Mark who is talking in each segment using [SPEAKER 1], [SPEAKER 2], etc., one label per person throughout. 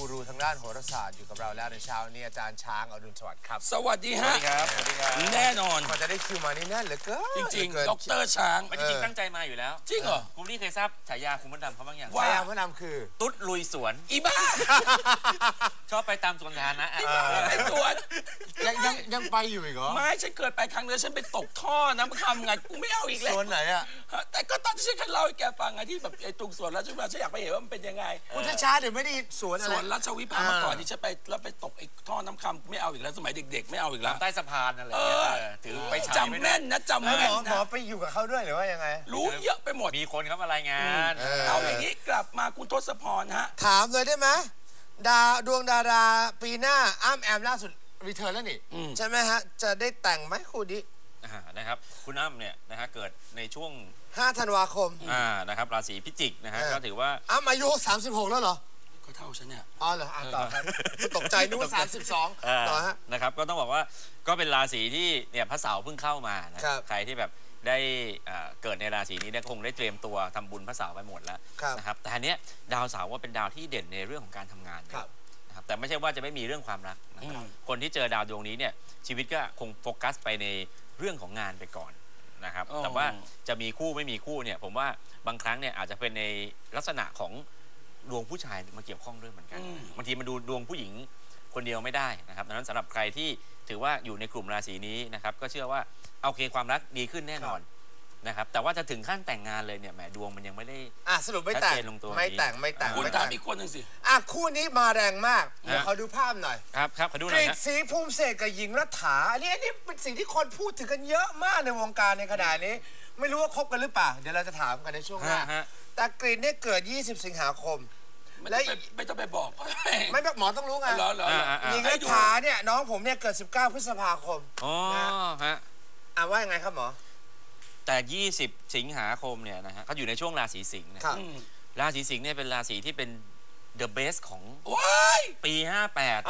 [SPEAKER 1] รูทางด้านโหราศาสตร์อยู่กับเราแล้วในเช้านี้อาจารย์ช้างอรุณสวัสดิ์ครับ
[SPEAKER 2] สวัสดีฮะ
[SPEAKER 3] ครับ
[SPEAKER 2] แน่นอน
[SPEAKER 1] กว่าจะได้คิวมานี่แน่นเหลือเกิน
[SPEAKER 2] จริงๆดร.ช้าง
[SPEAKER 3] มันจริงตั้งใจมาอยู่แล้ว
[SPEAKER 2] จริงเหรอ
[SPEAKER 3] คุณนี่เคยทราบฉายาคุณมดดำเขาบ้างอย่าง
[SPEAKER 1] ฉายาพระนามคือ
[SPEAKER 3] ตุ๊ดลุยสวน
[SPEAKER 2] อีบ้า
[SPEAKER 3] ชอบไปตามสวนสาธารณะ
[SPEAKER 2] ไปสวน
[SPEAKER 1] ยังไปอยู่อีกเหรอ
[SPEAKER 2] ไม่ฉันเกิดไปครั้งเดียวฉันไปตกท่อน้ำคำไงกูไม่เอาอีกแล้ว
[SPEAKER 1] สวนไหนอะ
[SPEAKER 2] แต่ก็ตอนที่ฉันเล่าให้แกฟังไงที่แบบไอ้ตรงสวนราชวิภาฉันอยากไปเห็นว่ามันเป็นยังไง
[SPEAKER 1] ช้าเดี๋ยวไม่ได้สวนอะไร
[SPEAKER 2] สวนราชวิภาเมื่อก่อนที่ฉันไปแล้วไปตกไอ้ท่อน้ำคำไม่เอาอีกแล้วสมัยเด็กๆไม่เอาอีกแล้ว
[SPEAKER 3] ใต้สะพานอะไรถือไป
[SPEAKER 2] จำแม่นนะจำแม่น
[SPEAKER 1] หมอไปอยู่กับเขาด้วยหรือว่ายังไง
[SPEAKER 2] รู้เยอะไปหมด
[SPEAKER 3] มีคนเขามารายงาน
[SPEAKER 2] เอาอย่างนี้กลับมาคุณทศพรฮะ
[SPEAKER 1] ถามเลยได้ไหมดวงดาราปีหน้าอ้ำแอมล่าสุดรีเทิร์นแล้วนี่ใช่ไหมฮะจะได้แต่งไหมคู่นี้
[SPEAKER 3] นะครับคุณอ้ำเนี่ยนะฮะเกิดในช่วง
[SPEAKER 1] 5 ธันวาคม
[SPEAKER 3] นะครับราศีพิจิกนะฮะก็ถือว่า
[SPEAKER 1] อ้ำอายุ36แล้วเหรอ
[SPEAKER 2] ก็เท่าฉันเนี่ย
[SPEAKER 1] อ๋อเหรอต่อครับตกใจนึกว่า32ต่อฮะ
[SPEAKER 3] นะครับก็ต้องบอกว่าก็เป็นราศีที่เนี่ยพระเสาร์เพิ่งเข้ามานะใครที่แบบได้เกิดในราศีนี้เนี่ยคงได้เตรียมตัวทำบุญพระเสาร์ไปหมดแล้วนะครับแต่อันเนี้ยดาวเสาร์ว่าเป็นดาวที่เด่นในเรื่องของการทำงานนะครับแต่ไม่ใช่ว่าจะไม่มีเรื่องความรักนะครับคนที่เจอดาวดวงนี้เนี่ยชีวิตก็คงโฟกัสไปในเรื่องของงานไปก่อนนะครับแต่ว่าจะมีคู่ไม่มีคู่เนี่ยผมว่าบางครั้งเนี่ยอาจจะเป็นในลักษณะของดวงผู้ชายมาเกี่ยวข้องด้วยเหมือนกันบางทีมันดูดวงผู้หญิงคนเดียวไม่ได้นะครับดังนั้นสำหรับใครที่ถือว่าอยู่ในกลุ่มราศีนี้นะครับก็เชื่อว่าโอเคความรักดีขึ้นแน่นอนนะครับแต่ว่าจะถึงขั้นแต่งงานเลยเนี่ยแหมดวงมันยังไม่ได้
[SPEAKER 1] สรุปไม่แต่งไม่แต่ง
[SPEAKER 2] คุณถามอีกคนหนึ่งสิ
[SPEAKER 1] คู่นี้มาแรงมากเดี๋ยวขอดูภาพหน่อย
[SPEAKER 3] ครับขอดูหน่อย
[SPEAKER 1] กฤษศรีภูมิเศษกับหญิงรัฐาอันนี้เป็นสิ่งที่คนพูดถึงกันเยอะมากในวงการในขณะนี้ไม่รู้ว่าคบกันหรือเปล่าเดี๋ยวเราจะถามกันในช่วงหน้าแต่กฤษเนี่ยเกิด20 สิงหาคม
[SPEAKER 2] และไม่ต้องไปบอก
[SPEAKER 1] ไม่แบบหมอต้องรู้ไงหญิงรัฐาเนี่ยน้องผมเนี่ยเกิด19 พฤษภาคม
[SPEAKER 3] ฮะ
[SPEAKER 1] ว่ายังไงครับหมอ
[SPEAKER 3] แต่20 สิงหาคมเนี่ยนะฮะเขาอยู่ในช่วงราศีสิงห์นะครับราศีสิงห์เนี่ยเป็นราศีที่เป็น the best ของปี58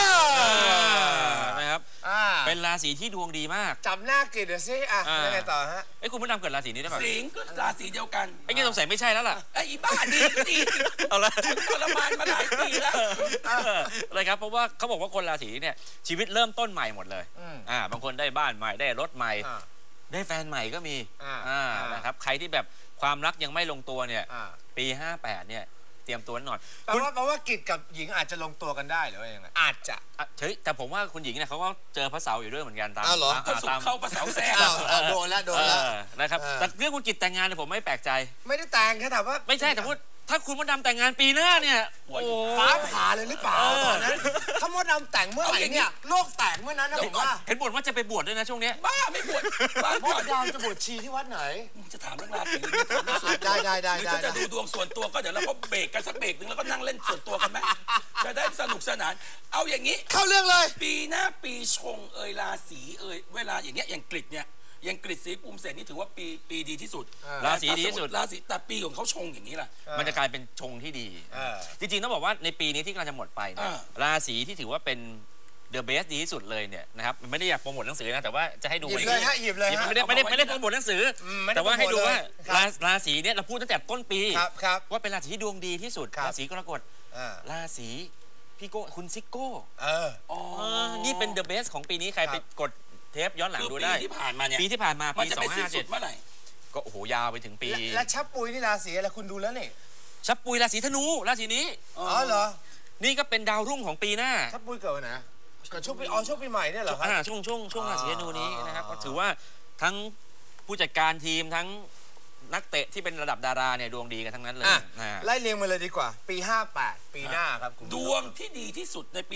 [SPEAKER 3] นะครับเป็นราศีที่ดวงดีมาก
[SPEAKER 1] จำหน้ากิจเดี๋ยวสิยังไงต่อฮะ
[SPEAKER 3] คุณมดดำเกิดราศีนี้ได้ไหม
[SPEAKER 2] สิงห์ก็ราศีเดียวกัน
[SPEAKER 3] ไอ้นี่สงสัยไม่ใช่แล้วล่ะ
[SPEAKER 2] ไอ้บ้าดี
[SPEAKER 3] เอาละ
[SPEAKER 2] ทรมานมาหลายปีแล้ว
[SPEAKER 3] อะไรครับเพราะว่าเขาบอกว่าคนราศีเนี่ยชีวิตเริ่มต้นใหม่หมดเลยบางคนได้บ้านใหม่ได้รถใหม่ได้แฟนใหม่ก็มีนะครับใครที่แบบความรักยังไม่ลงตัวเนี่ยปี58เนี่ยเตรียมตัวหน่อย
[SPEAKER 1] แปลว่ากิจกับหญิงอาจจะลงตัวกันได้หรือว่ายังไงอาจจะ
[SPEAKER 3] แต่ผมว่าคุณหญิงเนี่ยเขาก็เจอพระเสาร์อยู่ด้วยเหมือนกันตาม
[SPEAKER 2] เข้าพระเสาร์แซ่
[SPEAKER 1] โดนแล้ว
[SPEAKER 3] นะครับแต่เรื่องคุณกิจแต่งงานเนี่ยผมไม่แปลกใจ
[SPEAKER 1] ไม่ได้แต่งแค่ถามว่า
[SPEAKER 3] ไม่ใช่แต่พูดถ้าคุณมดดำแต่งงานปีหน้าเนี่ย
[SPEAKER 1] ฟ้าผ่าเลยหรือเปล่าตอนนั้นถ้ามดดำแต่งเมื่อไหร่เนี่ยโลกแตกเมื่อนั้นนะผมว่า
[SPEAKER 3] เห็นบ่นว่าจะไปบวชด้วยนะช่วงนี้
[SPEAKER 2] บ้าไม่บวช
[SPEAKER 1] มดดำจะบวชชีที่วัดไหน
[SPEAKER 2] มึงจะถามเรื่องราศี
[SPEAKER 1] ได้
[SPEAKER 2] จะดูดวงส่วนตัวก็เดี๋ยวเราก็เบรกกันสักเบรกหนึ่งแล้วก็นั่งเล่นส่วนตัวกันไหมจะได้สนุกสนานเอาอย่างนี้
[SPEAKER 1] เข้าเรื่องเลย
[SPEAKER 2] ปีหน้าปีชงราศีเวลาอย่างเงี้ยอย่างกฤษเนี่ยยังกฤษศรีภูมิเศษนี่ถือว่าปีดีที่สุด
[SPEAKER 3] ราศีดีที่สุด
[SPEAKER 2] ราศีแต่ปีของเขาชงอย่างนี้ล่ะ
[SPEAKER 3] มันจะกลายเป็นชงที่ดีจริงๆต้องบอกว่าในปีนี้ที่กำลังจะหมดไปเนี่ยราศีที่ถือว่าเป็นเดอะเบสดีที่สุดเลยเนี่ยนะครับไม่ได้อยากโปรโมทหนังสือนะแต่ว่าจะให้ดู
[SPEAKER 1] หยิบเลยฮะ
[SPEAKER 3] ไม่ได้โปรโมทหนังสือแต่ว่าให้ดูว่าราศีเนี่ยเราพูดตั้งแต่ต้นปีว่าเป็นราศีที่ดวงดีที่สุดราศีกรกฎราศีพี่โก้คุณซิโก้นี่เป็นเดอะเบสของปีนี้ใครไปกดเทปย้อนหลังดูได้
[SPEAKER 2] ปีที่ผ่านมาเนี่ย
[SPEAKER 3] ปีที่ผ่านมา
[SPEAKER 2] ปี2557เมื่อไหร่
[SPEAKER 3] ก็โอ้โหยาวไปถึงปี
[SPEAKER 1] และชับปุยนี่ราศีอะไรคุณดูแล้วนี่
[SPEAKER 3] ชับปุยราศีธนูราศีนี้
[SPEAKER 1] เหรอ
[SPEAKER 3] นี่ก็เป็นดาวรุ่งของปีหน้า
[SPEAKER 1] ชับปุยเกิดวันไหนเกิดช่วงปีใหม่เนี่ยเหรอครับ
[SPEAKER 3] ช่วงราศีธนูนี้นะครับก็ถือว่าทั้งผู้จัดการทีมทั้งนักเตะที่เป็นระดับดาราเนี่ยดวงดีกันทั้งนั้นเลย
[SPEAKER 1] ไล่เรียงมาเลยดีกว่าปี58ปีหน้าครับ
[SPEAKER 2] ดวงที่ดีที่สุดในปี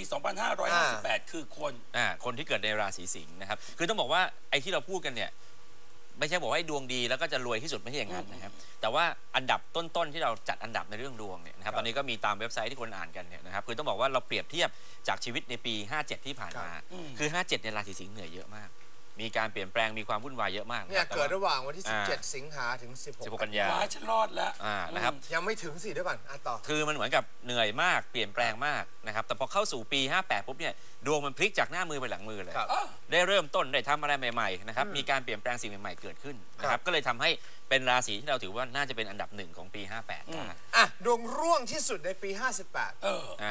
[SPEAKER 2] 2558คือ
[SPEAKER 3] คนที่เกิดในราศีสิงห์นะครับคือต้องบอกว่าไอ้ที่เราพูดกันเนี่ยไม่ใช่บอกว่าดวงดีแล้วก็จะรวยที่สุดไม่ใช่อย่างนั้นนะครับแต่ว่าอันดับต้นๆที่เราจัดอันดับในเรื่องดวงเนี่ยนะครับตอนนี้ก็มีตามเว็บไซต์ที่คนอ่านกันเนี่ยนะครับคือต้องบอกว่าเราเปรียบเทียบจากชีวิตในปี57ที่ผ่านมาคือ57ในราศีสิงห์เหนื่อยเยอะมากมีการเปลี่ยนแปลงมีความวุ่นวายเยอะมาก
[SPEAKER 1] เนี่ยเกิดระหว่างวันที่17 สิงหาถึง16
[SPEAKER 3] กันยา
[SPEAKER 2] ฉันรอดแล้ว
[SPEAKER 3] นะครับ
[SPEAKER 1] ยังไม่ถึงสิด้วยก่อนต่อ
[SPEAKER 3] คือมันเหมือนกับเหนื่อยมากเปลี่ยนแปลงมากนะครับแต่พอเข้าสู่ปี58ปุ๊บเนี่ยดวงมันพลิกจากหน้ามือไปหลังมือเลยได้เริ่มต้นได้ทำอะไรใหม่ๆนะครับมีการเปลี่ยนแปลงสิ่งใหม่ๆเกิดขึ้นนะครับก็เลยทำให้เป็นราศีที่เราถือว่าน่าจะเป็นอันดับ1ของปี58
[SPEAKER 1] ดวงร่วงที่สุดในปี58
[SPEAKER 3] ต้อง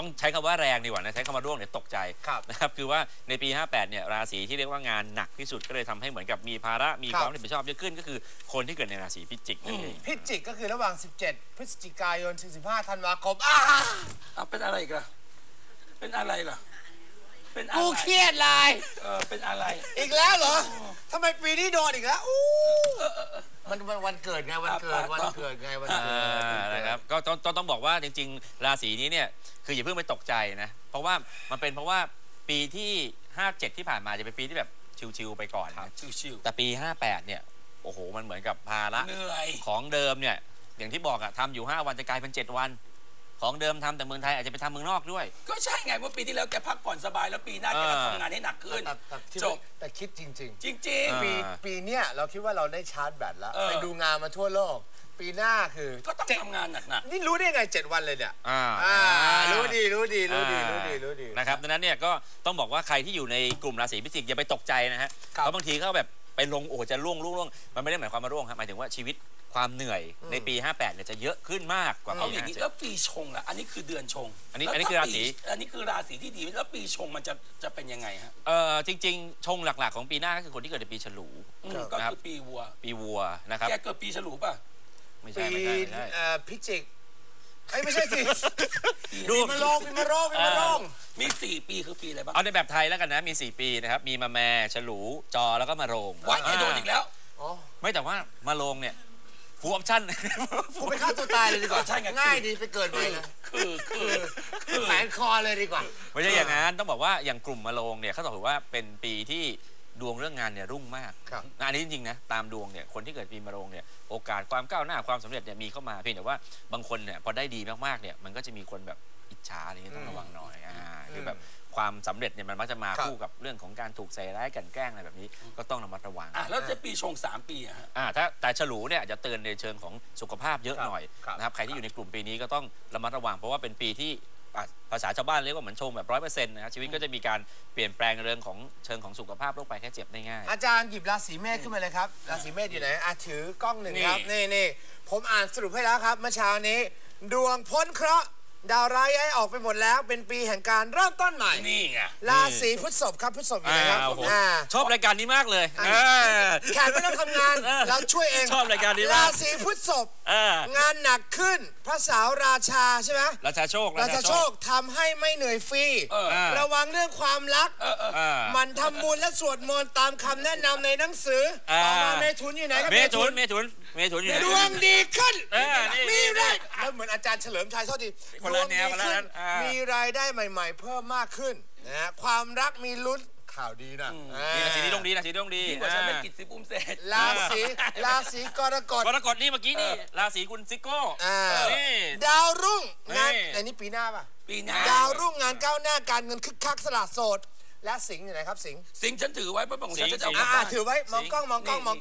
[SPEAKER 3] ต้องใช้คำว่าแรงดีกว่านะใช้คำว่าร่วงเนี่ยตกใจนะครับคือว่าในปี 58 เนี่ยราศีที่เรียกว่างานหนักที่สุดก็เลยทำให้เหมือนกับมีภาระมีความรับผิดชอบเยอะขึ้นก็คือคนที่เกิดในราศีพิจิกนั่นเอง
[SPEAKER 1] พิจิกก็คือระหว่าง 17 พฤศจิกายนถึง 15 ธันวาคม
[SPEAKER 2] เป็นอะไรกันเป็นอะไรล่ะเป็นอะไร
[SPEAKER 1] กูเครียดเลย
[SPEAKER 2] เป็นอะไร
[SPEAKER 1] อีกแล้วเหรอทำไมปีนี้โดนอีกแล้วมันวันเกิดไงวันเกิดไงวันเกิด
[SPEAKER 3] นะครับก็ต้องบอกว่าจริงๆราศีนี้เนี่ยคืออย่าเพิ่งไปตกใจนะเพราะว่ามันเป็นเพราะว่าปีที่ 57 ที่ผ่านมาจะเป็นปีที่แบบชิวๆไปก่อนนะ
[SPEAKER 2] ชิวๆ
[SPEAKER 3] แต่ปี 58 เนี่ยโอ้โหมันเหมือนกับภาระของเดิมเนี่ยอย่างที่บอกอะทำอยู่5 วันจะกลายเป็น7 วันของเดิมทำแต่เมืองไทยอาจจะไปทำเมืองนอกด้วย
[SPEAKER 2] ก็ใช่ไงว่าปีที่แล้วแกพักผ่อนสบายแล้วปีหน้าแกมาทำงานให้หนักขึ้น
[SPEAKER 1] จบแต่คิดจริงปีเนี้ยเราคิดว่าเราได้ชาร์จแบตแล้วไปดูงานมาทั่วโลกปีหน้าคือ
[SPEAKER 2] ก็ต้องทำงานหนัก
[SPEAKER 1] ๆนี่รู้ได้ไง7 วันเลยเนี่ยรู้ดี
[SPEAKER 3] นะครับดังนั้นเนี่ยก็ต้องบอกว่าใครที่อยู่ในกลุ่มราศีพิจิกอย่าไปตกใจนะฮะเพราะบางทีเขาแบบไปลงโอ้จะร่วงมันไม่ได้หมายความว่าร่วงครับหมายถึงว่าชีวิตความเหนื่อยในปี 58 เนี่ยจะเยอะขึ้นมากกว่าปี
[SPEAKER 2] 57แล้วปีชงล่ะอันนี้คือเดือนชง
[SPEAKER 3] อันนี้คือราศี
[SPEAKER 2] ที่ดีแล้วปีชงมันจะเป็นยังไงฮะ
[SPEAKER 3] จริงๆชงหลักๆของปีหน้าก็คือคนที่เกิดในปีฉลู
[SPEAKER 2] ก็คือปีวัว
[SPEAKER 3] นะครับ
[SPEAKER 2] แกเกิดปีฉลูป่ะ
[SPEAKER 3] ไม่ใช่
[SPEAKER 1] พิจิกไม่ใช่สิดูมาลง
[SPEAKER 2] มี4 ปีคือปีอะไรบ้าง
[SPEAKER 3] เอาในแบบไทยแล้วกันนะมี4 ปีนะครับมีมะแม่ฉลูจอแล้วก็มะโรง
[SPEAKER 2] ว่าแกโดนอีกแล้ว
[SPEAKER 3] ไม่แต่ว่ามะโรงเนี่ยฟูออปชั่น
[SPEAKER 1] กูไปฆ่าตัวตายเลยดีกว่าง่ายดีไปเกิดไปเลยคือแขวนคอเลยดีกว่า
[SPEAKER 3] ไม่ใช่อย่างนั้นต้องบอกว่าอย่างกลุ่มมะโรงเนี่ยเขาถือว่าเป็นปีที่ดวงเรื่องงานเนี่ยรุ่งมากงานนี้จริงๆนะตามดวงเนี่ยคนที่เกิดปีมะโรงเนี่ยโอกาสความก้าวหน้าความสำเร็จเนี่ยมีเข้ามาเพียงแต่ว่าบางคนเนี่ยพอได้ดีมากๆเนี่ยมันก็จะมีคนแบบอิจฉาอะไรเงี้ยต้องระวังหน่อยคือแบบความสำเร็จเนี่ยมันมักจะมาคู่กับเรื่องของการถูกใส่ร้ายกันแกล้งอะไรแบบนี้ก็ต้องระมัดระวัง
[SPEAKER 2] แล้วจะปีชง3 ปี
[SPEAKER 3] ถ้าแต่ฉลูเนี่ยจะเตือนในเชิงของสุขภาพเยอะหน่อยนะครับใครที่อยู่ในกลุ่มปีนี้ก็ต้องระมัดระวังเพราะว่าเป็นปีที่ภาษาชาวบ้านเรียกว่าเหมือนชงแบบ100%นะชีวิตก็จะมีการเปลี่ยนแปลงเรื่องของเชิงของสุขภาพโรคภัยแค่เจ็บได้ง่าย
[SPEAKER 1] อาจารย์หยิบราศีเมษขึ้นมาเลยครับราศีเมษอยู่ไหนถือกล้องหนึ่งครับนี่ผมอ่านสรุปให้แล้วครับเมื่อเช้านี้ดวงพ้นเคราะห์ดาวร้ายย้ายออกไปหมดแล้วเป็นปีแห่งการเริ่มต้นใหม่
[SPEAKER 2] นี่ไง
[SPEAKER 1] ราศีพฤษภครับพฤษภอยู่ไหนครับ
[SPEAKER 3] ชอบรายการนี้มากเลย
[SPEAKER 1] แขกไม่ต้องทำงานเราช่วยเอง
[SPEAKER 3] ชอบรายการนี้
[SPEAKER 1] ราศีพฤษภงานหนักขึ้นพระเสาราชาใช่ไหม
[SPEAKER 3] ราชาโชค
[SPEAKER 1] ทำให้ไม่เหนื่อยฟรีระวังเรื่องความรักมันทำบุญและสวดมนต์ตามคำแนะนำในหนังสือต่อมาเมถุนอยู่ไหนครับ
[SPEAKER 3] เมถุนอยู่ไหน
[SPEAKER 1] ดวงดีขึ้นมีได้แล้วเหมือนอาจารย์เฉลิมชัยโทษที
[SPEAKER 3] ดวงดีขึ้น
[SPEAKER 1] มีรายได้ใหม่ๆเพิ่มมากขึ้นนะความรักมีลุ้นข่าวดีนะ
[SPEAKER 3] ราศีนี้ดวงดี
[SPEAKER 2] ยิ่งกว่าฉันเป็นกิจสิบเศษ
[SPEAKER 1] ราศีกรกฎ
[SPEAKER 3] นี่เมื่อกี้นี่ราศีคุณซิโก้
[SPEAKER 1] นี่ดาวรุ่งงานอันนี้ปีหน้าป่ะ
[SPEAKER 2] ปีหน้า
[SPEAKER 1] ดาวรุ่งงานก้าวหน้าการเงินคึกคักสละโสดและสิงห์อยู่ไหนครับสิงห์
[SPEAKER 2] ฉันถือไว้เพราะของฉันจะเอา
[SPEAKER 1] ถือไว้มองกล้อง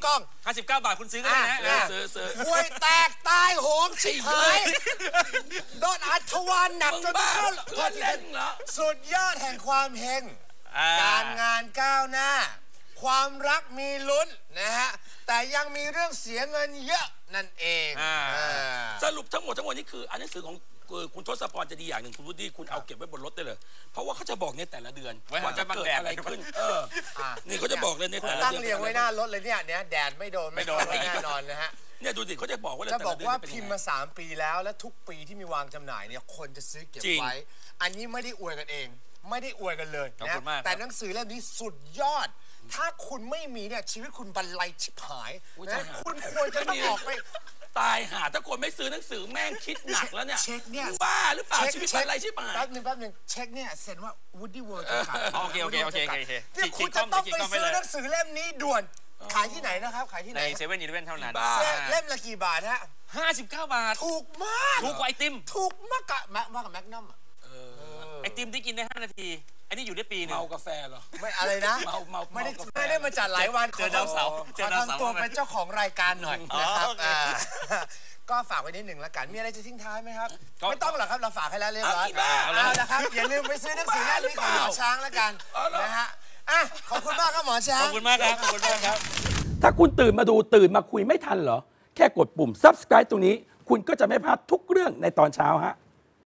[SPEAKER 3] 59 บาทคุณซื้อก็ได้นะ
[SPEAKER 2] ซื้อ
[SPEAKER 1] ห่วยแตกตายโหงชิบหายโดนอัศวรหนักจนเข้าสุดยอดแห่งความเฮงการงานก้าวหน้าความรักมีลุ้นนะฮะแต่ยังมีเรื่องเสียเงินเยอะนั่นเอง
[SPEAKER 2] สรุปทั้งหมดนี่คือหนังสือของคุณทศพรจะดีอย่างหนึ่งคุณวุฒิคุณเอาเก็บไว้บนรถได้เลยเพราะว่าเขาจะบอกในแต่ละเดือนว่าจะเกิดอะไรขึ้นนี่เขาจะบอกเลยในแต่ละเดือน
[SPEAKER 1] ตั้งเรียงไว้หน้ารถเลยเนี่ยแดดไม่โดนแน่นอนนะฮะ
[SPEAKER 2] เนี่ยดูสิเขาจะบอกว่า
[SPEAKER 1] จะบอกว่าพิมพ์มา3 ปีแล้วและทุกปีที่มีวางจำหน่ายเนี่ยคนจะซื้อเก็บไว้อันนี้ไม่ได้อวยกันเองไม่ได้อวยกันเลยนะแต่หนังสือเล่มนี้สุดยอดถ้าคุณไม่มีเนี่ยชีวิตคุณบรรลัยชิบหายนะคุณควรจะต้องออกไป
[SPEAKER 2] ตายหาถ้าคนไม่ซื้อหนังสือแม่งคิดหนักแล้วเนี่ย
[SPEAKER 1] เช็คเนี่ย
[SPEAKER 2] บ้าหรือเปล่าชีวิตอะไรใช่ป่ะ
[SPEAKER 1] แป๊บนึงเช็คเนี่ยเซ็นว่า Woody World
[SPEAKER 3] โอเค
[SPEAKER 1] ที่คุณจะต้องไปซื้อหนังสือเล่มนี้ด่วนขายที่ไหนนะครับขายที่ไหน
[SPEAKER 3] ใน7-11เท่านั้น
[SPEAKER 1] เล่มละกี่บาทฮะ
[SPEAKER 3] 59 บาท
[SPEAKER 1] ถูกมาก
[SPEAKER 3] ถูกกว่าไอติม
[SPEAKER 1] ถูกมากกับแมกนัม
[SPEAKER 3] ไอติมที่กินได้5 นาทีอันนี้อยู่ได้ปีนึง
[SPEAKER 2] เมากาแฟเหรอ
[SPEAKER 1] ไม่อะไรนะไม่ได้มาจัดหลายวัน
[SPEAKER 3] เจอดาวเสาร์
[SPEAKER 1] ขอทำตัวเป็นเจ้าของรายการหน่อยนะครับก็ฝากไว้นิดหนึ่งละกันมีอะไรจะทิ้งท้ายไหมครับไม่ต้องหรอกครับเราฝากให้แล้วเรียบร้อยเอาละครับอย่าลืมไปซื้อหนังสือเล่มนี้ของหมอช้างละกันนะฮะขอบคุณมากครับหมอช้าง
[SPEAKER 3] ขอบคุณมากครับ
[SPEAKER 2] ถ้าคุณตื่นมาคุยไม่ทันเหรอแค่กดปุ่ม subscribe ตรงนี้คุณก็จะไม่พลาดทุกเรื่องในตอนเช้าฮะ